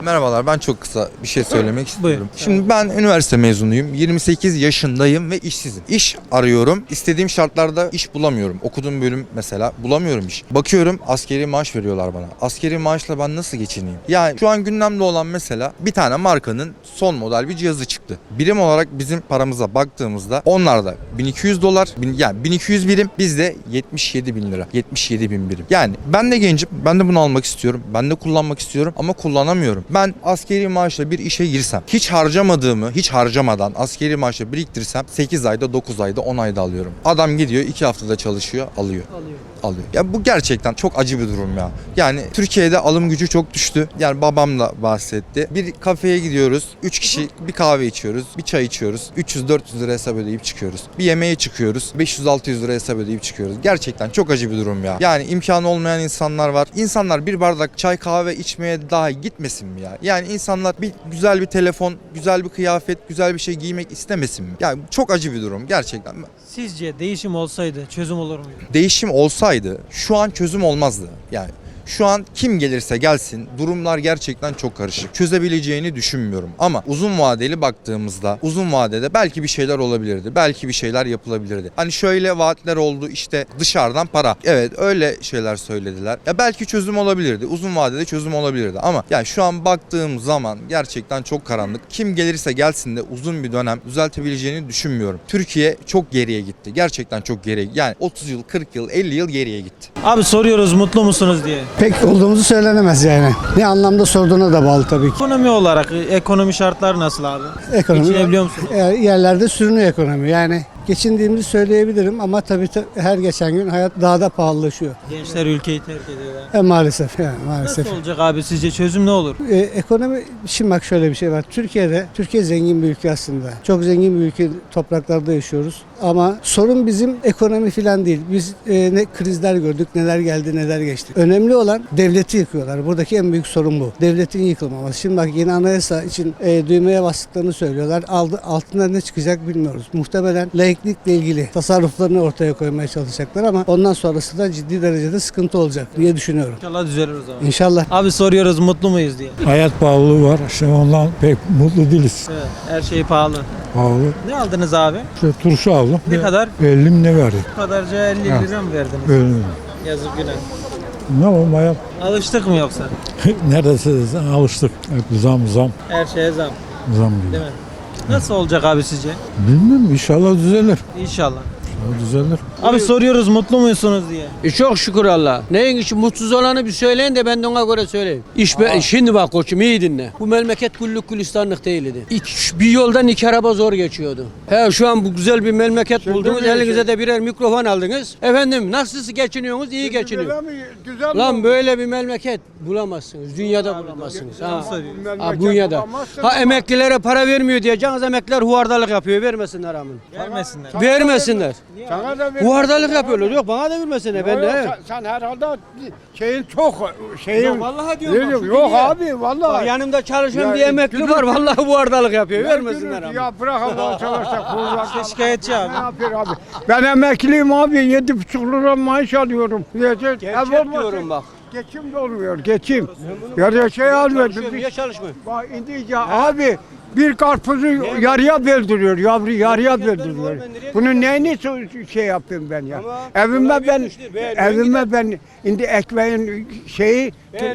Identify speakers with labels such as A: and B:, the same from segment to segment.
A: Merhabalar, ben çok kısa bir şey söylemek istiyorum.
B: Buyurun.
A: Şimdi ben üniversite mezunuyum, 28 yaşındayım ve işsizim. İş arıyorum, istediğim şartlarda iş bulamıyorum. Okuduğum bölüm mesela bulamıyorum iş. Bakıyorum askeri maaş veriyorlar bana. Askeri maaşla ben nasıl geçineyim? Yani şu an gündemde olan mesela bir tane markanın son model bir cihazı çıktı. Birim olarak bizim paramıza baktığımızda onlarda 1200 dolar, yani 1200 birim, bizde 77 bin lira, 77 bin birim. Yani ben de gencim, ben de bunu almak istiyorum, ben de kullanmak istiyorum ama kullanamıyorum. Ben askeri maaşla bir işe girsem, hiç harcamadığımı, hiç harcamadan askeri maaşla biriktirsem 8 ayda, 9 ayda, 10 ayda alıyorum. Adam gidiyor 2 haftada çalışıyor, alıyor. Ya bu gerçekten çok acı bir durum ya. Yani Türkiye'de alım gücü çok düştü. Yani babam da bahsetti. Bir kafeye gidiyoruz. 3 kişi bir kahve içiyoruz. Bir çay içiyoruz. 300-400 lira hesap ödeyip çıkıyoruz. Bir yemeğe çıkıyoruz. 500-600 lira hesap ödeyip çıkıyoruz. Gerçekten çok acı bir durum ya. Yani imkanı olmayan insanlar var. İnsanlar bir bardak çay kahve içmeye dahi gitmesin mi ya? Yani insanlar güzel bir telefon, güzel bir kıyafet, güzel bir şey giymek istemesin mi? Yani çok acı bir durum gerçekten.
B: Sizce değişim olsaydı çözüm olur muydu?
A: Değişim olsaydı şu an çözüm olmazdı. Yani şu an kim gelirse gelsin durumlar gerçekten çok karışık. Çözebileceğini düşünmüyorum. Ama uzun vadeli baktığımızda uzun vadede belki bir şeyler olabilirdi. Belki bir şeyler yapılabilirdi. Hani şöyle vaatler oldu, işte dışarıdan para. Evet, öyle şeyler söylediler. Ya belki çözüm olabilirdi. Uzun vadede çözüm olabilirdi. Ama yani şu an baktığım zaman gerçekten çok karanlık. Kim gelirse gelsin de uzun bir dönem düzeltebileceğini düşünmüyorum. Türkiye çok geriye gitti. Gerçekten çok geriye. Yani 30 yıl, 40 yıl, 50 yıl geriye gitti.
B: Abi soruyoruz mutlu musunuz diye.
C: Pek olduğumuzu söylenemez yani. Ne anlamda sorduğuna da bağlı tabii ki.
B: Ekonomi olarak ekonomi şartları nasıl abi?
C: Ekonomi
B: Geçinebiliyor musunuz?
C: yerlerde sürünüyor ekonomi. Yani geçindiğimizi söyleyebilirim ama tabii her geçen gün hayat daha da pahalılaşıyor.
B: Gençler ülkeyi terk ediyorlar.
C: Maalesef yani maalesef.
B: Nasıl olacak abi, sizce çözüm ne olur?
C: Ekonomi, şimdi bak şöyle bir şey var. Türkiye zengin bir ülke aslında. Çok zengin bir ülke, topraklarda yaşıyoruz. Ama sorun bizim ekonomi falan değil. Biz ne krizler gördük, neler geldi, neler geçti. Önemli olan devleti yıkıyorlar. Buradaki en büyük sorun bu. Devletin yıkılmaması. Şimdi bak yeni anayasa için düğmeye bastıklarını söylüyorlar. Altında ne çıkacak bilmiyoruz. Muhtemelen laiklikle ilgili tasarruflarını ortaya koymaya çalışacaklar ama ondan sonrası da ciddi derecede sıkıntı olacak diye düşünüyorum.
B: İnşallah düzelir o zaman.
C: İnşallah.
B: Abi soruyoruz mutlu muyuz diye.
D: Hayat pahalılığı var. İşte ondan pek mutlu değiliz.
B: Evet, her şey pahalı.
D: Pahalı.
B: Ne aldınız abi?
D: İşte turşu aldım.
B: Ne kadar?
D: 50 mi ne verdi?
B: Bu kadarca 50 lira mı verdiniz?
D: Öyle.
B: Yazık günah.
D: Ne yapalım hayat?
B: Alıştık mı yoksa?
D: Neredeyse alıştık. Hep zam
B: Her şeye zam,
D: gibi.
B: değil mi? Nasıl olacak abi sizce?
D: Bilmiyorum, inşallah düzelir.
B: İnşallah.
D: İnşallah düzelir.
B: Abi soruyoruz mutlu musunuz diye.
E: Çok şükür Allah. Neyin için mutsuz olanı bir söyleyin de ben de ona göre söyleyeyim. Şimdi bak koçum iyi dinle. Bu memleket güllük gülistanlık değildi. Bir yoldan 2 araba zor geçiyordu. Şu an bu güzel bir memleket buldunuz. Elinize de birer mikrofon aldınız. Efendim nasıl geçiniyorsunuz? İyi geçiniyor. Lan böyle bir memleket bulamazsınız. Dünyada bulamazsınız. Dünyada. Emeklilere para vermiyor diyeceksiniz. Emekliler huvardalık yapıyor. Vermesinler amin.
B: Vermesinler.
E: Vermesinler. Huvardalık yapıyorlar. Yok bana da vermesinler. Ben de.
F: Sen herhalde şeyin
E: Yok vallahi diyorum.
F: yok abi vallahi.
E: Yanımda çalışan
F: Ya,
E: bir emekli var. Vallahi huvardalık yapıyor. Vermesinler amin.
F: Ya bırak Allah çalışacak.
B: Şikayetçi abi.
F: Ne yapıyor abi? Ben emekliyim abi. 7,5 lira maaş alıyorum.
E: Gerçek diyorum bak.
F: Geçim de olmuyor. Geçim. Ya şey almıyor.
E: Niye çalışmıyor?
F: Bak indi ya abi. Bir karpuzu yarıya böldürüyor, yavru yarıya böldürüyor. Bunun neyini şey yapayım ben ya?
E: Ama
F: Evime ben indi ekmeğin şeyi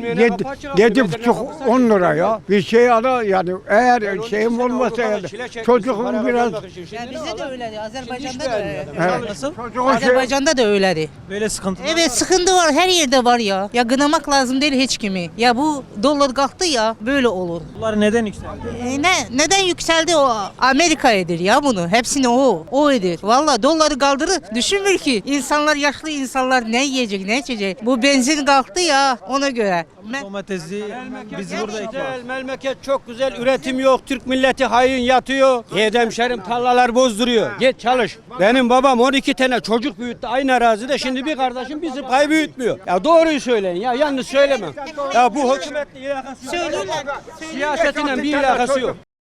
F: 7,5-10 lira ya. Bir şey ara yani eğer şeyim olmasa yani çocuğum biraz
G: Ya bizde de öyleydi. Azerbaycan'da da öyle.
B: Nasıl?
G: Azerbaycan'da da öyleydi.
B: Böyle sıkıntı.
G: Evet sıkıntı var. Her yerde var ya. Ya gınamak lazım değil hiç kimi. Ya bu dolar kalktı ya böyle olur.
B: Bunlar neden yükseldi?
G: Neden yükseldi o? Amerika edir ya bunu. Hepsini o edir. Valla doları kaldırır. Düşünmüyor ki insanlar, yaşlı insanlar ne yiyecek ne içecek. Bu benzin kalktı ya ona göre.
B: Domatesi biz burada
E: Güzel, memleket çok güzel, üretim yok, Türk milleti hain yatıyor. Hemşerim tarlalar bozduruyor. Git çalış. Benim babam 12 tane çocuk büyüttü aynı arazide. Şimdi bir kardeşim bizi pay büyütmüyor. Ya doğruyu söyleyin ya, yanlış söylemem. Ya bu hükümetle alakası yok.
G: Söylüyorlar.
E: Siyasetiyle bir alakası yok.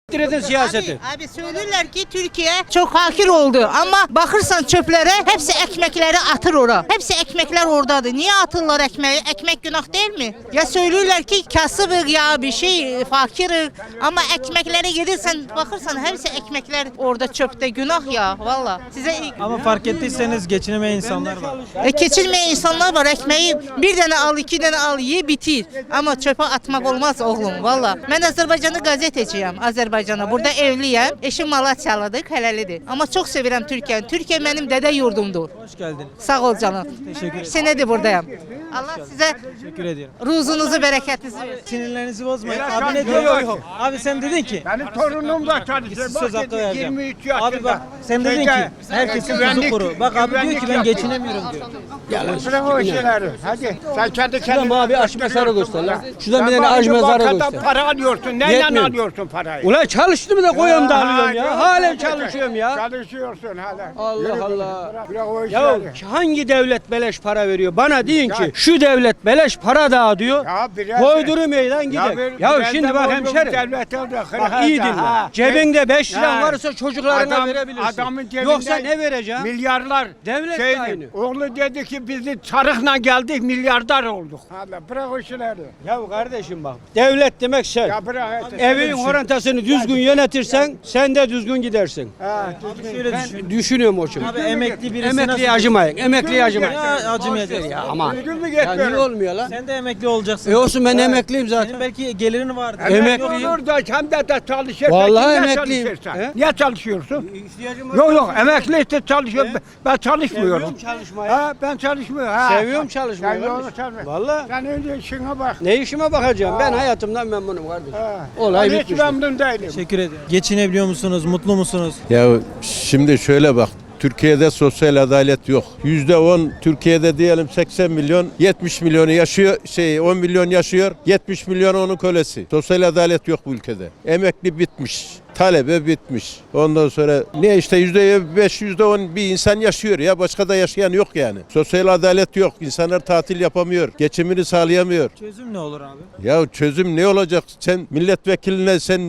E: edin siyaseti.
G: Abi söylürler ki Türkiye çok hakir oldu ama bakırsan çöplere hepsi ekmekleri atır ora. Hepsi ekmekler oradadır. Niye atırlar ekmeği? Ekmek günah değil mi? Ya söylürler ki kasıbık ya bir şey fakirik ama ekmekleri gelirsen bakırsan hepsi ekmekler orada çöpte günah ya valla. Size
B: Ama fark ettiyseniz geçinemeyen insanlar var.
G: geçirmeyen insanlar var ekmeği bir tane al iki tane al ye bitir. Ama çöpe atmak olmaz oğlum valla. Ben Azerbaycan'da gazeteciyim Azerbaycan'a. Burada evliyim. Eşim Malatyalıdır helalidir. Ama çok severim Türkiye'yi. Türkiye benim dede yurdumdur.
B: Hoş geldiniz.
G: Sağ ol canım.
B: Teşekkür ederim.
G: Senedir buradayım. Allah size
B: Teşekkür ediyorum.
G: ruzunuzu bereketinizi versin.
B: Sinirlerinizi bozmayın.
F: Yok,
B: Abi ne
F: yok,
B: diyor?
F: yok.
B: Abi sen dedin ki.
F: Benim torunum da çalışıyor.
B: Söz hakkı vereceğim.
F: 23 yaşında.
B: Abi bak sen dedin ki herkesin tuzu kuru. Bak abi diyor ki ben
F: güvenlik
B: geçinemiyorum diyor.
F: Bırak o işleri. Hadi. Sen kendi
E: Şuradan
F: kendine.
E: bana bir aç mezarı göster lan. Şuradan bir
F: Sen
E: tane aç
F: bana
E: mezarı
F: bankadan
E: göster.
F: para alıyorsun. Neyle
E: Yetmiyor.
F: alıyorsun parayı?
E: Ulan çalıştım da koyuyorum da alıyorum ya.
F: Ha,
E: Halen
F: yok,
E: çalışıyorum ya.
F: Çalışıyorsun hala.
E: Allah
F: Yürü,
E: Allah.
F: Bırak o
E: Ya
F: işleri.
E: hangi devlet beleş para veriyor? Bana deyin ki
F: Ya-
E: şu devlet beleş para dağıtıyor.
F: Ya biraz-
E: Koyduru meydan gider. Ya
F: biraz
E: şimdi
F: da
E: bak
F: oğlum
E: hemşerim.
F: devlet oldu,
E: Bak
F: hırhata,
E: iyi dinle.
F: ha.
E: Cebinde 5 liran
F: Ha.
E: varsa çocuklarına
F: Adam-
E: verebilirsin.
F: adamın cebinde
E: Yoksa ne vereceğim?
F: Milyarlar.
E: Devlet de aynı.
F: Oğlu dedi ki bizi çarıkla geldik milyardar olduk. Hala bırak o işleri.
E: Ya kardeşim bak. Devlet demek şey.
F: Ya bırak.
E: Evin horantasını düzgün yönetirsen sen de düzgün gidersin.
F: Ha,
B: Şöyle
E: Ben
B: düşün.
E: düşünüyorum o için.
B: Abi emekli birisi
E: Emekliye
B: nasıl?
E: acımayın. Emekliye acımayın.
B: Ya acımayacağız.
E: Ya aman.
F: Düzgün mü
E: Ya niye
F: getiriyorum?
E: olmuyor lan?
B: Sen de emekli olacaksın.
E: Olsun ben emekliyim zaten.
B: Senin belki gelirin vardır.
E: Emekliyim.
F: Olur da hem de çalışırsan.
E: Vallahi
F: kimle
E: emekliyim.
F: çalışırsan?
E: He?
F: Niye çalışıyorsun?
E: İhtiyacım var.
F: Yok emekli işte çalışıyorum. Ben çalışmıyorum.
E: Seviyorum çalışmayı.
F: Ha, ben çalışmıyorum. Ha.
E: Seviyorum çalışmayı.
F: Sen onu
E: kardeşim.
F: çalma.
E: Vallahi.
F: Sen önce işine bak.
E: Ne işime bakacağım? Ben hayatımdan memnunum kardeşim.
F: Ha.
E: Olay
F: Ben hiç
E: bitmiştir.
F: memnun değilim.
B: Teşekkür ederim. Geçinebiliyor musunuz? Mutlu musunuz?
H: Ya şimdi şöyle bak. Türkiye'de sosyal adalet yok. %10 Türkiye'de diyelim 80 milyon, 70 milyonu yaşıyor, 10 milyon yaşıyor, 70 milyon onun kölesi. Sosyal adalet yok bu ülkede. Emekli bitmiş. Talebe bitmiş. Ondan sonra ne işte %5, %10 bir insan yaşıyor ya. Başka da yaşayan yok yani. Sosyal adalet yok. İnsanlar tatil yapamıyor. Geçimini sağlayamıyor.
B: Çözüm ne olur abi?
H: Ya çözüm ne olacak? Sen milletvekiline sen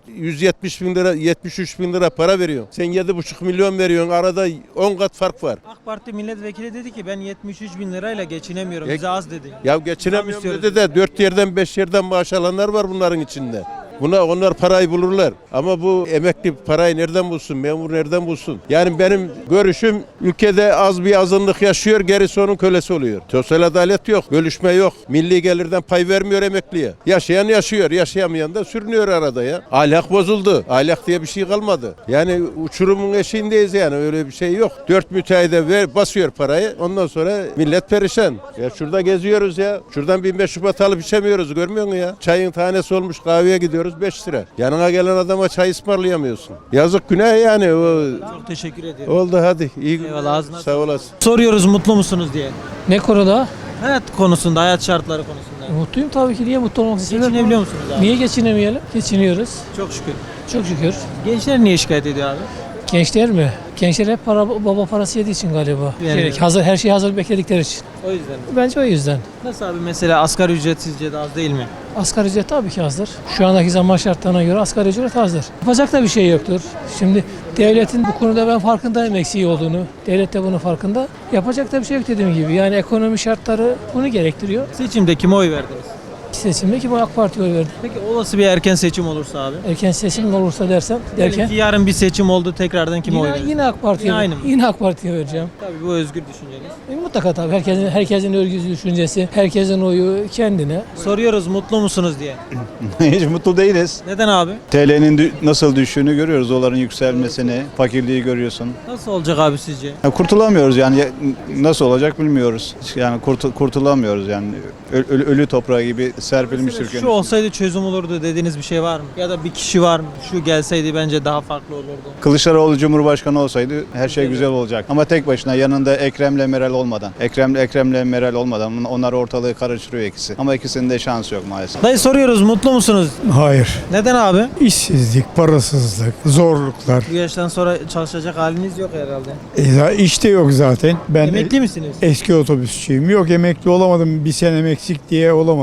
H: 170 bin lira, 73 bin lira para veriyorsun. Sen 7,5 milyon veriyorsun. Arada 10 kat fark var.
B: AK Parti milletvekili dedi ki ben 73 bin lirayla geçinemiyorum.
H: Ya-
B: Bize az dedi.
H: Ya geçinemiyorum
B: istiyoruz.
H: dedi de 4 yerden 5 yerden maaş alanlar var bunların içinde. Onlar parayı bulurlar. Ama bu emekli parayı nereden bulsun? Memur nereden bulsun? Yani benim görüşüm ülkede az bir azınlık yaşıyor, gerisi onun kölesi oluyor. Sosyal adalet yok, bölüşme yok. Milli gelirden pay vermiyor emekliye. Yaşayan yaşıyor, yaşayamayan da sürünüyor arada ya. Ahlak bozuldu. Ahlak diye bir şey kalmadı. Yani uçurumun eşiğindeyiz yani öyle bir şey yok. 4 müteahhide basıyor parayı. Ondan sonra millet perişan. Ya şurada geziyoruz ya. Şuradan 15 Şubat alıp içemiyoruz görmüyor musun ya? Çayın tanesi olmuş kahveye gidiyoruz 5 lira. Yanına gelen adama çay ısmarlayamıyorsun. Yazık günah yani.
B: Çok teşekkür ediyorum.
H: Oldu hadi. İyi günler.
B: Eyvallah, ağzına
H: Sağ olasın.
B: Soruyoruz mutlu musunuz diye.
I: Ne konuda?
B: Hayat konusunda, hayat şartları konusunda.
I: Mutluyum tabii ki. Niye mutlu olmak istedim?
B: Geçinebiliyor musunuz abi?
I: Niye geçinemeyelim? Geçiniyoruz.
B: Çok şükür.
I: Çok şükür.
B: Gençler niye şikayet ediyor abi?
I: Gençler mi? Gençler hep baba parası yediği için galiba.
B: Yani-
I: Gerek, her şeyi hazır bekledikleri için.
B: O yüzden.
I: Bence o yüzden.
B: Nasıl abi mesela asgari ücret sizce de az değil mi?
I: Asgari ücret tabii ki azdır. Şu andaki zaman şartlarına göre asgari ücret azdır. Yapacak da bir şey yoktur. Şimdi devletin bu konuda ben farkındayım eksiği olduğunu. Devlet de bunun farkında. Yapacak da bir şey yok dediğim gibi. Yani ekonomi şartları bunu gerektiriyor.
B: Seçimde kime oy verdiniz?
I: Seçimde ki bu AK Parti'ye oy verdim.
B: Peki olası bir erken seçim olursa abi?
I: Erken seçim olursa derken
B: Diyelim ki yarın bir seçim oldu tekrardan kime oy
I: yine,
B: verirsiniz?
I: yine AK Parti'ye
B: Yine aynı mı?
I: Yine AK Parti'ye vereceğim.
B: Tabii bu özgür düşünceniz.
I: Mutlaka tabii herkesin örgüsü düşüncesi, herkesin oyu kendine.
B: Soruyoruz mutlu musunuz diye.
J: Hiç mutlu değiliz.
B: Neden abi?
J: TL'nin nasıl düştüğünü görüyoruz. Doların yükselmesini, fakirliği görüyorsun.
B: Nasıl olacak abi sizce?
J: Ya kurtulamıyoruz yani nasıl olacak bilmiyoruz. Yani kurtulamıyoruz yani. Ölü toprağı gibi serpilmiş Türkiye'nin.
B: Şu olsaydı çözüm olurdu dediğiniz bir şey var mı? Ya da bir kişi var mı? Şu gelseydi bence daha farklı olurdu.
J: Kılıçdaroğlu Cumhurbaşkanı olsaydı her şey güzel olacak. Ama tek başına yanında Ekrem'le Meral olmadan. Ekrem'le Meral olmadan onlar ortalığı karıştırıyor ikisi. Ama ikisinin de şansı yok maalesef.
B: Dayı soruyoruz mutlu musunuz?
D: Hayır.
B: Neden abi?
D: İşsizlik, parasızlık, zorluklar.
B: Bu yaştan sonra çalışacak haliniz yok herhalde.
D: İşte yok zaten. Ben
B: Emekli misiniz?
D: eski otobüsçüyüm. Yok emekli olamadım. Bir senem eksik diye olamadım. Onun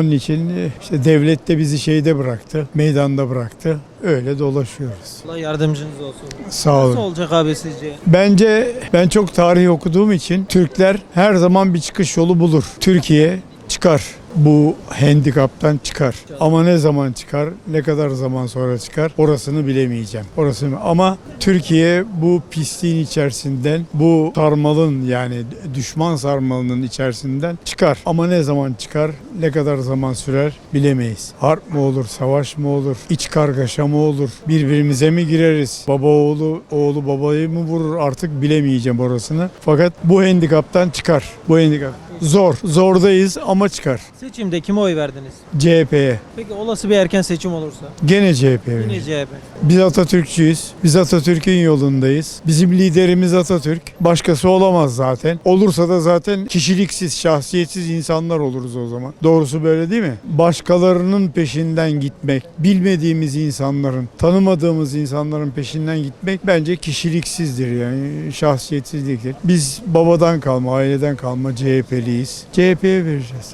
D: Onun için işte devlet de bizi şeyde bıraktı, meydanda bıraktı. Öyle dolaşıyoruz.
B: Allah yardımcınız olsun.
D: Sağ
B: Nasıl
D: olun.
B: olacak abi sizce?
D: Bence ben çok tarih okuduğum için Türkler her zaman bir çıkış yolu bulur. Türkiye çıkar. Bu handikaptan çıkar. Ama ne zaman çıkar, ne kadar zaman sonra çıkar orasını bilemeyeceğim. Ama Türkiye bu pisliğin içerisinden, bu sarmalın yani düşman sarmalının içerisinden çıkar. Ama ne zaman çıkar, ne kadar zaman sürer bilemeyiz. Harp mı olur, savaş mı olur, iç kargaşa mı olur, birbirimize mi gireriz, baba oğlu babayı mı vurur artık bilemeyeceğim orasını. Fakat bu handikaptan çıkar. Bu handikap. Zordayız ama çıkar.
B: Seçimde kime oy verdiniz?
D: CHP'ye.
B: Peki olası bir erken seçim olursa?
D: Gene CHP'ye.
B: Yine CHP.
D: Biz Atatürkçüyüz. Biz Atatürk'ün yolundayız. Bizim liderimiz Atatürk. Başkası olamaz zaten. Olursa da zaten kişiliksiz, şahsiyetsiz insanlar oluruz o zaman. Doğrusu böyle değil mi? Başkalarının peşinden gitmek, bilmediğimiz insanların, tanımadığımız insanların peşinden gitmek bence kişiliksizdir yani şahsiyetsizliktir. Biz babadan kalma, aileden kalma CHP'liyiz. CHP'ye vereceğiz.